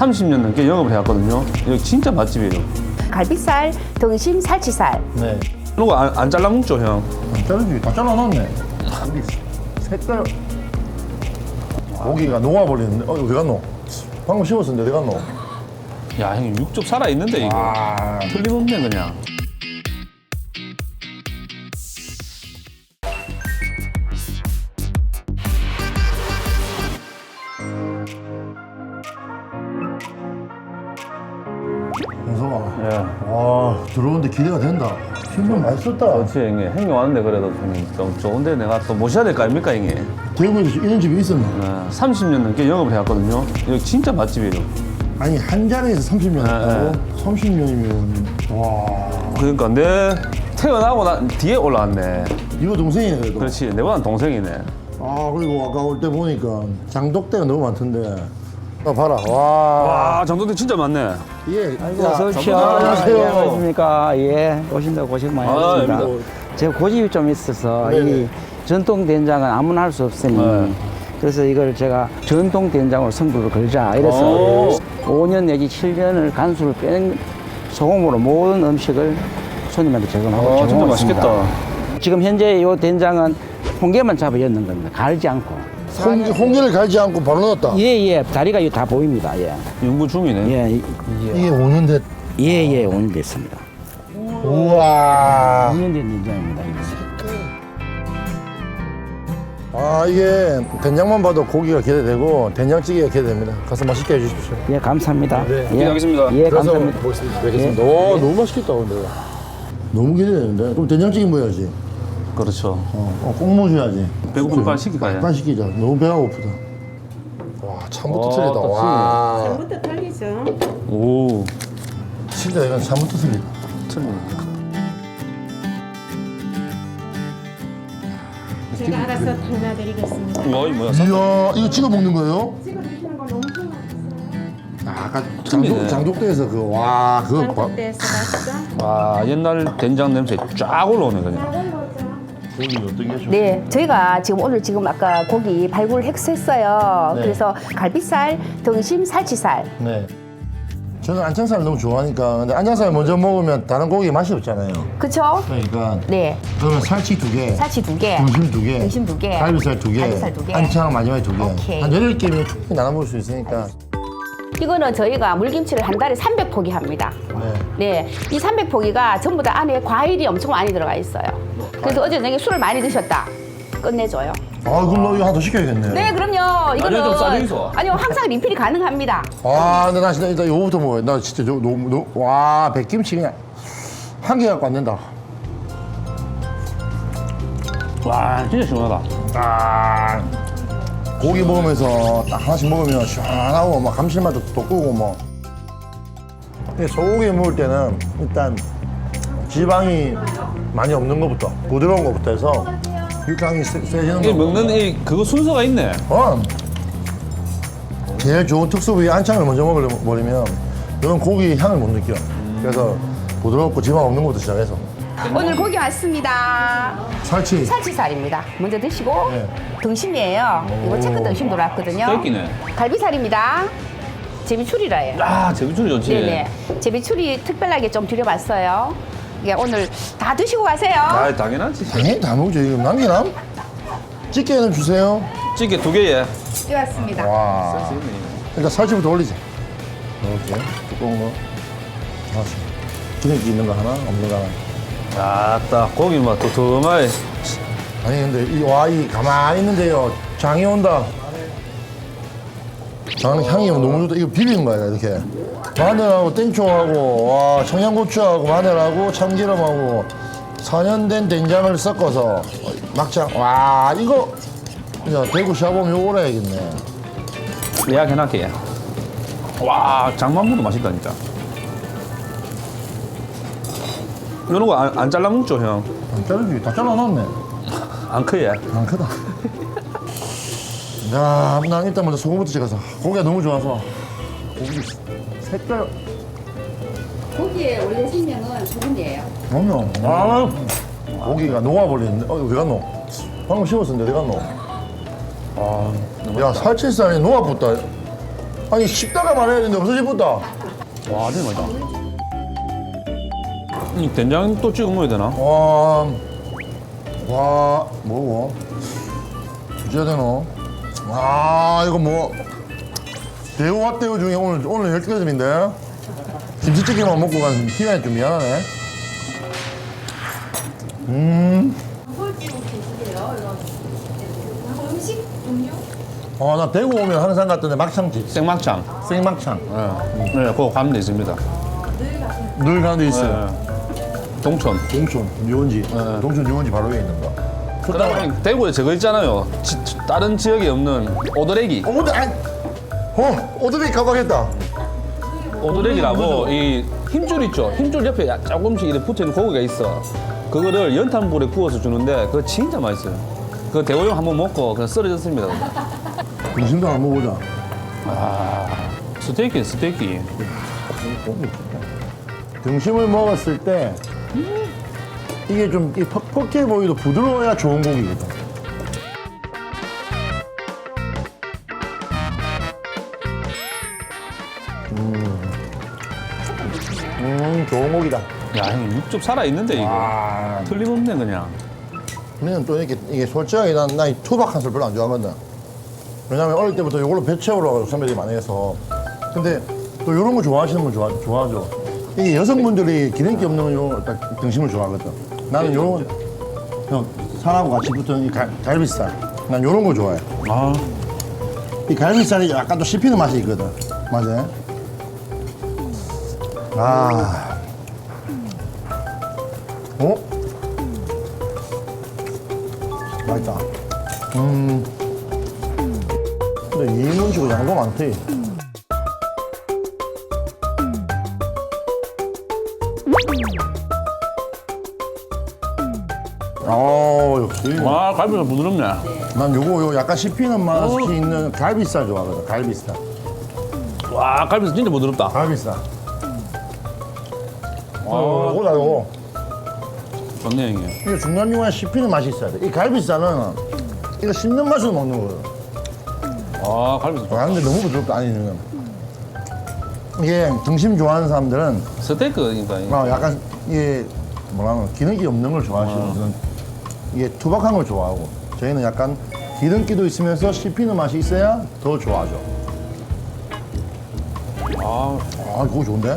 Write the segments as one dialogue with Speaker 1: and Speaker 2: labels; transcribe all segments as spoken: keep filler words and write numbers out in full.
Speaker 1: 삼십 년 넘게 영업을 해왔거든요. 여기 진짜 맛집이에요.
Speaker 2: 갈비살, 등심, 살치살.
Speaker 3: 네.
Speaker 1: 이런 거 안 안 잘라 먹죠, 형?
Speaker 3: 안 자르지. 다 잘라놨네. 우리 색깔. 고기가 녹아버리는데. 어, 어디 갔노? 방금 씹었었는데 어디 갔노?
Speaker 1: 야, 형님 육즙 살아 있는데 이거.
Speaker 3: 아,
Speaker 1: 틀림없네 그냥.
Speaker 3: 영석아.
Speaker 1: 예.
Speaker 3: 와, 들어오는데 기대가 된다. 신경 많이 썼다.
Speaker 1: 그렇지, 형님. 형님 왔는데 그래도 형님 좀 좋은데 내가 또 모셔야 될 거 아닙니까, 형님?
Speaker 3: 대구에서 이런 집이 있었나?
Speaker 1: 네, 삼십 년 넘게 영업을 해왔거든요. 여기 진짜 맛집이에요.
Speaker 3: 아니, 한 자리에서 삼십 년 했다고?
Speaker 1: 네,
Speaker 3: 삼십 년이면, 와.
Speaker 1: 그러니까 내 태어나고 난 뒤에 올라왔네.
Speaker 3: 이거 동생이네, 그래도.
Speaker 1: 그렇지, 내보단 동생이네.
Speaker 3: 아, 그리고 아까 올 때 보니까 장독대가 너무 많던데. 아, 봐라. 와.
Speaker 1: 와, 정도대 진짜 많네.
Speaker 3: 예.
Speaker 4: 아이고,
Speaker 3: 야,
Speaker 4: 어서 오십시오.
Speaker 3: 안녕하세요.
Speaker 4: 예, 안녕하십니까. 예, 오신다고 고생 많이
Speaker 1: 아,
Speaker 4: 하셨습니다.
Speaker 3: 뭐.
Speaker 4: 제가 고집이 좀 있어서
Speaker 3: 네네.
Speaker 4: 이 전통 된장은 아무나 할 수 없으니
Speaker 1: 네.
Speaker 4: 그래서 이걸 제가 전통 된장으로 승부를 걸자 이래서
Speaker 1: 오.
Speaker 4: 오 년 내지 칠 년을 간수를 뺀 소금으로 모든 음식을 손님한테 제공하고
Speaker 1: 아, 진짜
Speaker 4: 제공하고
Speaker 1: 맛있겠다.
Speaker 4: 있습니다. 지금 현재 이 된장은 홍게만 잡아 엮는 겁니다. 갈지 않고.
Speaker 3: 홍, 홍게를 갈지 않고 바로 넣었다.
Speaker 4: 예, 예. 다리가 이거 다 보입니다. 예.
Speaker 1: 연구 중이네.
Speaker 4: 예, 이-
Speaker 3: 이게 오 년 됐.
Speaker 4: 예, 예. 오늘 됐습니다.
Speaker 3: 우와.
Speaker 4: 오 년 된 된장입니다. 이거.
Speaker 3: 아, 이게 된장만 봐도 고기가 기대되고 된장찌개가 기대됩니다. 가서 맛있게 해주십시오.
Speaker 4: 예, 감사합니다.
Speaker 3: 네.
Speaker 4: 예,
Speaker 1: 기대하겠습니다.
Speaker 4: 예,
Speaker 3: 그래서
Speaker 4: 감사합니다.
Speaker 3: 보겠습니다. 뵙겠습니다. 오, 너무 맛있겠다, 근데. 너무 기대되는데? 그럼 된장찌개 뭐야지?
Speaker 1: 그렇죠.
Speaker 3: 어, 어 꼭 먹어줘야지.
Speaker 1: 배고프면 빨리 시킬까요?
Speaker 3: 빨리 시키자. 너무 배가 고프다. 와, 참부터
Speaker 1: 어,
Speaker 3: 틀리다.
Speaker 1: 또
Speaker 3: 와.
Speaker 2: 부터 털리죠.
Speaker 1: 오,
Speaker 3: 진짜 이건 참부터 틀리다.
Speaker 1: 틀리네.
Speaker 5: 제가 알아서 담아드리겠습니다.
Speaker 1: 뭐, 이 뭐야?
Speaker 3: 이야, 이거 찍어 먹는 거예요?
Speaker 5: 찍어 드시는 거 너무 좋아하셨어요.
Speaker 3: 아, 아까
Speaker 1: 틀리네.
Speaker 3: 장독, 장독대에서 그, 와, 그거. 봐.
Speaker 5: 한국대에서 맛있죠?
Speaker 1: 와, 옛날 된장 냄새 쫙 올라오네 그냥.
Speaker 5: 작은 거죠?
Speaker 3: 고기 어떻게 하셔?
Speaker 2: 네, 저희가 지금 오늘 지금 아까 고기 발굴 했어요.
Speaker 3: 네.
Speaker 2: 그래서 갈비살, 등심, 살치살.
Speaker 3: 네. 저는 안창살을 너무 좋아하니까. 근데 안창살 먼저 먹으면 다른 고기 맛이 없잖아요.
Speaker 2: 그쵸?
Speaker 3: 그러니까.
Speaker 2: 네,
Speaker 3: 그러면 살치 두 개.
Speaker 2: 살치 두 개.
Speaker 3: 등심 두 개.
Speaker 2: 등심 두 개.
Speaker 3: 갈비살 두 개.
Speaker 2: 갈비살 두 개.
Speaker 3: 안창 마지막에 두 개.
Speaker 2: 오케이.
Speaker 3: 한 여덟 개면 충분히 나눠 먹을 수 있으니까.
Speaker 2: 이거는 저희가 물김치를 한 달에 삼백 포기 합니다.
Speaker 3: 네.
Speaker 2: 네, 이 삼백 포기가 전부 다 안에 과일이 엄청 많이 들어가 있어요. 그래서 어제 저녁에 술을 많이 드셨다. 끝내줘요.
Speaker 3: 아, 그럼 너 이거 하나 더 시켜야겠네.
Speaker 2: 네, 그럼요. 이거는
Speaker 1: 좀 싸게 있어.
Speaker 2: 아니요, 항상 리필이 가능합니다.
Speaker 3: 아, 근데 나 진짜 일단 요거부터 먹어야 돼. 나 진짜 저, 너무, 너무, 와, 백김치 그냥 한 개 갖고 안 된다.
Speaker 1: 와, 진짜 시원하다.
Speaker 3: 아, 고기 먹으면서 딱 하나씩 먹으면 시원하고 막 감칠맛도 돋구고 뭐. 근데 소고기 먹을 때는 일단 지방이 많이 없는 것부터 부드러운 것부터 해서 육향이 세, 세지는
Speaker 1: 이
Speaker 3: 거.
Speaker 1: 먹는 이 그거 순서가 있네.
Speaker 3: 어. 제일 좋은 특수 부위 안창을 먼저 먹어버리면 이건 고기 향을 못 느껴. 그래서 부드럽고 지방 없는 것부터 시작해서
Speaker 2: 오늘 고기 왔습니다.
Speaker 3: 살치.
Speaker 2: 살치살입니다. 먼저 드시고
Speaker 3: 네.
Speaker 2: 등심이에요. 이거 체크 등심 들어왔거든요.
Speaker 1: 떼끼네.
Speaker 2: 갈비살입니다. 제비추리라예요.
Speaker 1: 아, 제비추리 좋지.
Speaker 2: 네네. 제비추리 특별하게 좀 드려봤어요. 이게 오늘 다 드시고 가세요.
Speaker 1: 아, 당연하지.
Speaker 3: 당연히 다 먹죠. 이거 남기나? 찌개는 주세요.
Speaker 1: 찌개 두 개에.
Speaker 2: 되었습니다.
Speaker 3: 와. 일단 살치부터 올리자. 이렇게 두꺼운 거 하나씩. 기름기 있는 거 하나, 없는 거 하나.
Speaker 1: 아따, 고기 막 도톰하게.
Speaker 3: 아니 근데 이 와 이 가만히 있는데요. 장이 온다. 장 향이 너무 좋다. 이거 비비는 거야 이렇게. 마늘하고 땡초하고 와 청양고추하고 마늘하고 참기름하고 사 년 된 된장을 섞어서 막장. 와 이거 야 대구 샤범 요거 오래야겠네.
Speaker 1: 예약해놨게. 와, 장만보도 맛있다, 진짜. 이런 거 안 안 잘라 먹죠, 형?
Speaker 3: 안 자르지 다 잘라놨네.
Speaker 1: 안 크게.
Speaker 3: 안 크다. 야, 난 일단 먼저 소금부터 찍어서 고기가 너무 좋아서 고기 색깔
Speaker 2: 고기의 원래 생명은 소금이에요.
Speaker 3: 그럼요. 아, 고기가 녹아버리는데 어, 어디 갔노? 방금 씹었었는데 어디 갔노? 아, 야 살치살이 녹아붙다. 아니 씹다가 말해야 되는데 없어질 뻔다.
Speaker 1: 와, 진짜 맛있다. 이 된장 또 찍어 먹어야 되나?
Speaker 3: 와, 와, 뭐고? 주셔야 되노? 와, 이거 뭐 대우와 대우 중에 오늘 오늘 열두 개점인데 김치찌개만 먹고 간 희한이 좀 미안하네. 음,
Speaker 5: 음식 종류?
Speaker 3: 아, 나 대구 오면 항상 갔던데 막창집,
Speaker 1: 생막창.
Speaker 3: 생막창.
Speaker 1: 네, 네, 그거 가면 돼 있습니다.
Speaker 3: 늘 가는 데 있어요.
Speaker 1: 네. 동촌.
Speaker 3: 동촌 유원지,
Speaker 1: 네.
Speaker 3: 동촌 유원지 바로 위에 있는 거.
Speaker 1: 그다음에 대구에 저거 있잖아요. 지, 다른 지역에 없는 오드레기.
Speaker 3: 어, 근데 아, 어, 오드레이 가봐겠다.
Speaker 1: 오드레기라고 이 힘줄 있죠. 힘줄 옆에 야- 조금씩 이렇게 붙어있는 고기가 있어. 그거를 연탄불에 구워서 주는데 그거 진짜 맛있어요. 그 대호형 한번 먹고 그냥 쓰러졌습니다.
Speaker 3: 등심도 한번 먹어보자.
Speaker 1: 아, 스테이키, 스테이키.
Speaker 3: 등심을 먹었을 때 이게 좀 이 퍽퍽해 보이도 부드러워야 좋은 고기거든. 음, 음 좋은 고기다.
Speaker 1: 야, 형님 육즙 살아 있는데 이거.
Speaker 3: 아,
Speaker 1: 틀림없네 그냥.
Speaker 3: 우리는 또 이렇게 이게 솔직하게 난, 난이 투박한 술 별로 안 좋아하거든. 왜냐면 어릴 때부터 이걸로 배 채우러 선배들이 많이 해서. 근데 또 이런 거 좋아하시는 분 좋아, 좋아하죠. 이게 여성분들이 기름기 없는 요 딱 등심을 좋아하거든. 나는 요런 거, 살하고 같이 붙은 이 갈, 갈비살. 난 요런 거 좋아해.
Speaker 1: 아,
Speaker 3: 이 갈비살이 약간 또 씹히는 맛이 있거든. 맞아. 아. 어? 맛있다. 음. 근데 이인분 치고 양도 많대. 아, 역시.
Speaker 1: 와, 갈비가 부드럽네.
Speaker 3: 난 요거 요 약간 씹히는 맛이 있는 갈비살 좋아하거든. 갈비살.
Speaker 1: 와, 갈비 진짜 부드럽다.
Speaker 3: 갈비살.
Speaker 1: 와,
Speaker 3: 어, 요거다 요거.
Speaker 1: 좋네 형님.
Speaker 3: 이게 중간중간에 씹히는 맛이 있어야 돼. 이 갈비살은 이거 씹는 맛으로 먹는 거예요.
Speaker 1: 아, 갈비 좋다.
Speaker 3: 아, 근데 너무 부드럽다. 아니, 지금. 이게 등심 좋아하는 사람들은
Speaker 1: 스테이크니까. 이게.
Speaker 3: 막 약간 이게 뭐라 하나 기름기 없는 걸 좋아하시는 분은 이게 투박한 걸 좋아하고 저희는 약간 기름기도 있으면서 씹히는 맛이 있어야 더 좋아하죠.
Speaker 1: 아,
Speaker 3: 아, 그거 좋은데?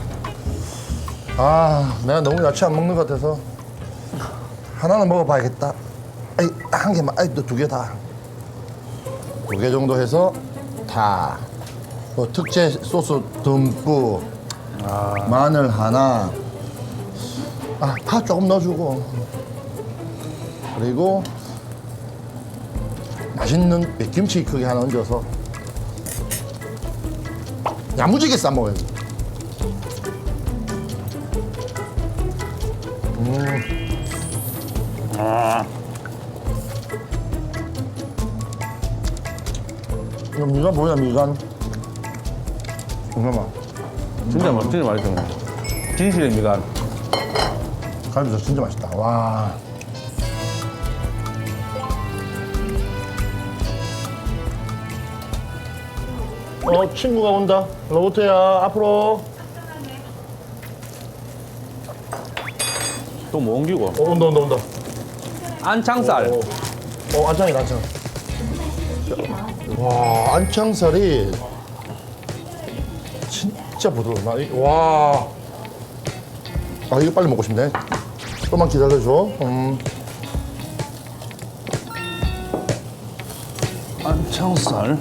Speaker 3: 아, 내가 너무 야채 안 먹는 것 같아서 하나는 먹어봐야겠다. 아이, 한 개만, 아이, 또 두 개 다. 두 개 정도 해서 다. 뭐 특제 소스 듬뿍, 마늘 하나, 아, 파 조금 넣어주고, 그리고 맛있는 백김치 크게 하나 얹어서 야무지게 싸 먹어야지.
Speaker 1: 아,
Speaker 3: 이거 미간 뭐야, 미간? 잠깐만.
Speaker 1: 진짜 맛, 진짜 맛있어. 진실의 미간.
Speaker 3: 갈비살 진짜 맛있다. 와. 어, 친구가 온다. 로봇야, 앞으로.
Speaker 1: 또 뭐 옮기고.
Speaker 3: 어, 온다, 온다, 온다.
Speaker 1: 안창살.
Speaker 3: 어, 어 안창이다, 안창. 와, 안창살이 진짜 부드러워. 나 이- 와. 아, 이거 빨리 먹고 싶네. 좀만 기다려줘. 음.
Speaker 1: 안창살.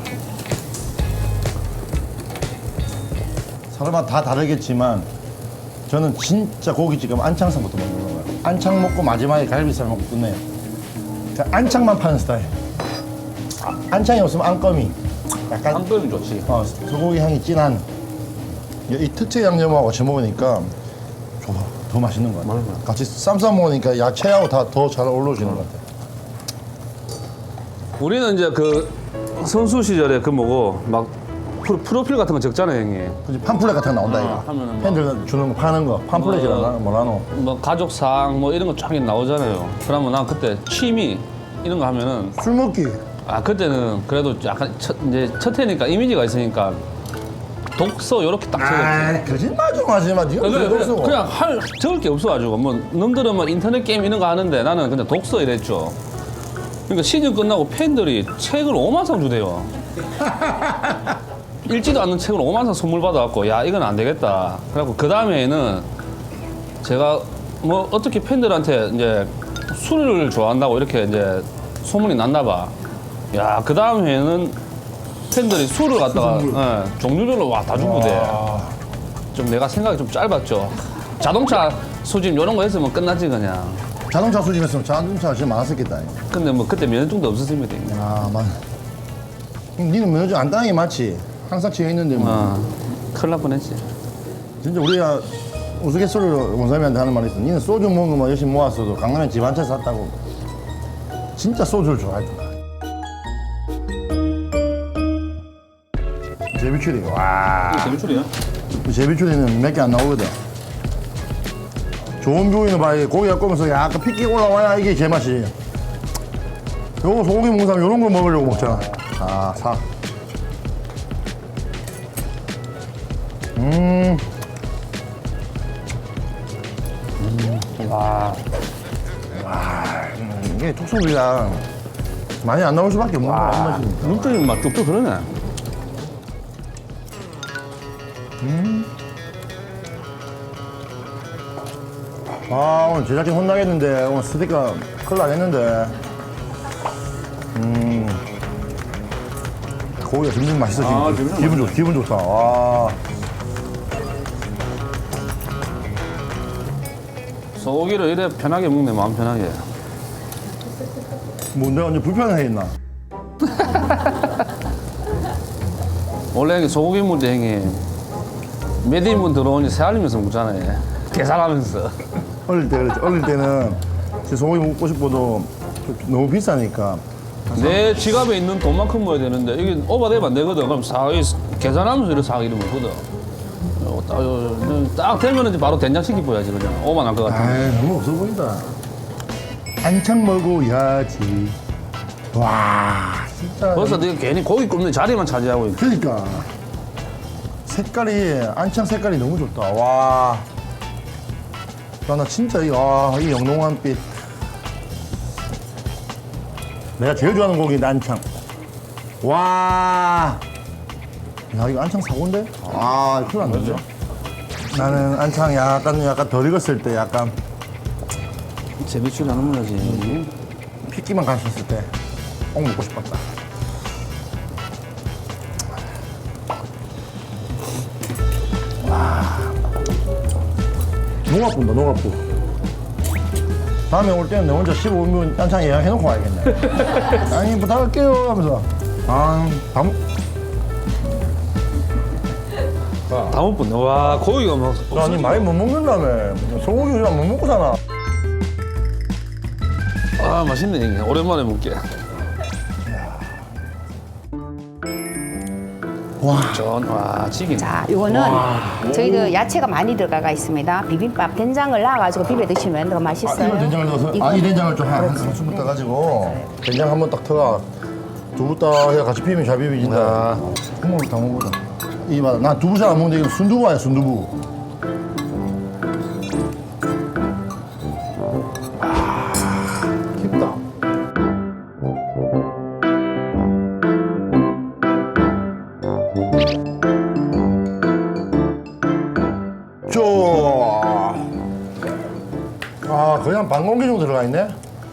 Speaker 3: 사람마다 다 다르겠지만 저는 진짜 고깃집 가면 안창살부터 먹는 거예요. 안창 먹고 마지막에 갈비살 먹고 끝내요. 그러니까 안창만 파는 스타일. 아, 안창이 없으면 안꺼미. 약간
Speaker 1: 안끓이 좋지.
Speaker 3: 어, 소고기 향이 진한 이 특제 양념하고 같이 먹으니까 좋아. 더 맛있는 것 같아. 같이 쌈 싸 먹으니까 야채하고 다 더 잘 어우러지는 것 같아.
Speaker 1: 우리는 이제 그 선수 시절에 그 뭐고 막 프로, 프로필 같은 거 적잖아요 형님.
Speaker 3: 그치, 팜플렛 같은 거 나온다
Speaker 1: 아,
Speaker 3: 이거.
Speaker 1: 하면은 뭐-
Speaker 3: 팬들 주는 거 파는 거 팜플렛이라나
Speaker 1: 어.
Speaker 3: 뭐라노.
Speaker 1: 뭐 가족상 뭐 이런 거 쫙 나오잖아요. 그러면 난 그때 취미 이런 거 하면은
Speaker 3: 술 먹기.
Speaker 1: 아 그때는 그래도 약간 첫, 이제 첫 해니까 이미지가 있으니까 독서 이렇게 딱 적었지.
Speaker 3: 아, 거짓말 좀 하지 마. 니가
Speaker 1: 그냥,
Speaker 3: 그래,
Speaker 1: 그냥,
Speaker 3: 그래.
Speaker 1: 그냥 할 적을 게 없어가지고 뭐 놈들은 뭐 인터넷 게임 이런 거 하는데 나는 그냥 독서 이랬죠. 그러니까 시즌 끝나고 팬들이 책을 오만 상 주대요. 읽지도 않는 책을 오만 상 선물 받아갖고 야 이건 안 되겠다. 그래갖고 그 다음에는 제가 뭐 어떻게 팬들한테 이제 술을 좋아한다고 이렇게 이제 소문이 났나 봐. 야 그 다음 해에는 팬들이 술을 갖다가 예, 종류별로 와 다 주고대. 좀 내가 생각이 좀 짧았죠. 자동차 수집 이런 거 했으면 끝나지 그냥.
Speaker 3: 자동차 수집했으면 자동차가 제일 많았었겠다.
Speaker 1: 근데 뭐 그때 면허증도 없었습니다.
Speaker 3: 아, 맞. 니는 면허증 안 따는 게 맞지? 항상 지어 있는데 뭐.
Speaker 1: 어, 큰일 날 뻔했지.
Speaker 3: 진짜 우리가 우스갯소리로 원사님한테 하는 말이 있어. 니는 소주 먹은 거만 열심히 모았어도 강남에 집 한 채 샀다고. 진짜 소주를 좋아했다. 제비추리. 와.
Speaker 1: 재미출이야?
Speaker 3: 제비추리는 몇 개 안 나오거든. 좋은 뷰이는 봐야 고기가 꼬면서 약간 핏기 올라와야 이게 제맛이. 요거 소고기 먹는 사람 요런 걸 먹으려고 먹잖아. 아, 사. 음.
Speaker 1: 와.
Speaker 3: 음, 이게 톡소비랑 많이 안 나올 수밖에 없는 거야, 한 맛이니까.
Speaker 1: 눈적인 맛 쭉쭉 그러네.
Speaker 3: 아, 오늘 제작진 혼나겠는데, 오늘 스티커 큰일 나겠는데. 음. 고기가 점점 맛있어, 지금.
Speaker 1: 아, 점점
Speaker 3: 기분 좋, 기분 좋다. 와.
Speaker 1: 소고기를 이래 편하게 먹네, 마음 편하게.
Speaker 3: 뭐 내가 언제 불편해 했나?
Speaker 1: 원래 형이 소고기 먹을 때 형이 몇 인분 들어오니 새알리면서 먹잖아요. 계산하면서.
Speaker 3: 어릴 때 그랬지. 어릴 때는 진짜 소고기 먹고 싶어도 너무 비싸니까.
Speaker 1: 내 지갑에 있는 돈만큼 먹어야 되는데 이게 오버되면 안 되거든. 그럼 사 계산하면서 이렇게 사기를 먹거든. 어, 딱, 어, 딱 되면 이제 바로 된장시키 보야지 그냥 오만 할 것 같아.
Speaker 3: 아이, 너무 없어 보인다. 한창 먹어야지. 와, 진짜.
Speaker 1: 벌써 내가 괜히 고기 굽는 자리만 차지하고 있어.
Speaker 3: 그러니까. 색깔이, 안창 색깔이 너무 좋다. 와. 야, 나 진짜 이, 와, 이 영롱한 빛. 내가 제일 좋아하는 고기 안창. 와. 야, 이거 안창 사고인데? 아, 큰일 났네. 나는 안창 약간, 약간 덜 익었을 때 약간
Speaker 1: 제비추리 하는 거지.
Speaker 3: 핏기만 갔었을 때 꼭 먹고 싶었다. 와. 농합분다, 농합분. 다음에 올 때는 내 혼자 십오 분 안창 예약해놓고 와야겠네. 아니, 부탁할게요 하면서. 아, 다 먹...
Speaker 1: 다음 분, 와 고기가 막.
Speaker 3: 아니, 많이 못 먹는다며. 소고기 그냥 못 먹고 사나.
Speaker 1: 아 맛있네 이게. 오랜만에 먹게.
Speaker 3: 와.
Speaker 1: 전, 와 찌긴.
Speaker 2: 자, 이거는 저희도 야채가 많이 들어가 있습니다. 비빔밥 된장을 넣어가지고 비벼 드시면 더
Speaker 3: 아,
Speaker 2: 맛있어요.
Speaker 3: 이거 된장을 넣어서?
Speaker 2: 이거-
Speaker 3: 아, 이 된장을 좀 한, 한 스푼 떠가지고 된장 한 번 딱 터가 두부 딱 해서 같이 비비면 잘 비비진다.
Speaker 1: 야.
Speaker 3: 국물을 다 먹어보자. 이 맛, 난 두부 잘 안 먹는데 이거 순두부 아니야, 순두부. 아, 깊다. 쪼. 아, 거의 한 반 공기 정도 들어가 있네.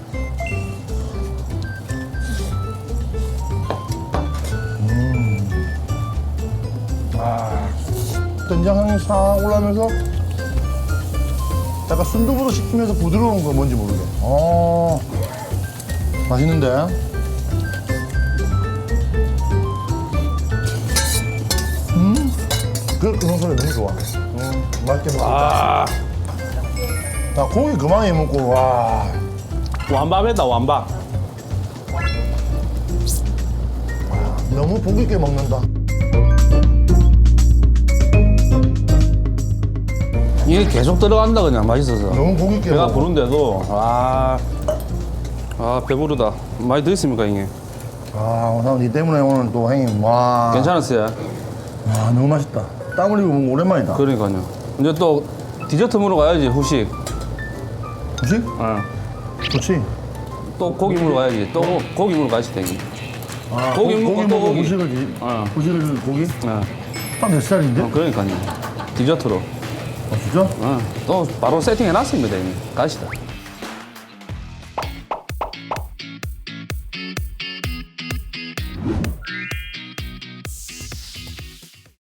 Speaker 3: 된장 향이 싹 올라오면서 약간 순두부도 씹히면서 부드러운 거 뭔지 모르게. 어, 맛있는데? 음, 그, 그 소리 너무 좋아. 음, 맛있게 먹었다.
Speaker 1: 아
Speaker 3: 나 고기 그만해 먹고, 와.
Speaker 1: 완밥했다 완밥.
Speaker 3: 너무 복 있게 먹는다.
Speaker 1: 이게 계속 들어간다 그냥 맛있어서.
Speaker 3: 너무 복 있게
Speaker 1: 배가
Speaker 3: 먹어.
Speaker 1: 부른데도 아, 아 배부르다. 많이 드셨습니까 형님?
Speaker 3: 아, 오늘 니 때문에 오늘 또 형님, 와.
Speaker 1: 괜찮았어요?
Speaker 3: 와, 너무 맛있다. 땀 흘리고 먹는 거 오랜만이다.
Speaker 1: 그러니까요. 이제 또 디저트 먹으러 가야지, 후식.
Speaker 3: 그치?
Speaker 1: 어.
Speaker 3: 좋지.
Speaker 1: 또 고기 먹으러 가야지. 또 고기 먹으러 가야지, 되게.
Speaker 3: 아,
Speaker 1: 고기
Speaker 3: 고,
Speaker 1: 먹고
Speaker 3: 고기
Speaker 1: 또
Speaker 3: 먹고
Speaker 1: 고기.
Speaker 3: 후식을 지
Speaker 1: 어.
Speaker 3: 후식을 고기?
Speaker 1: 어.
Speaker 3: 딱 내 스타일인데?
Speaker 1: 어, 그러니까요. 디저트로.
Speaker 3: 아 진짜?
Speaker 1: 어. 또 바로 세팅해놨습니다, 이미. 가시다.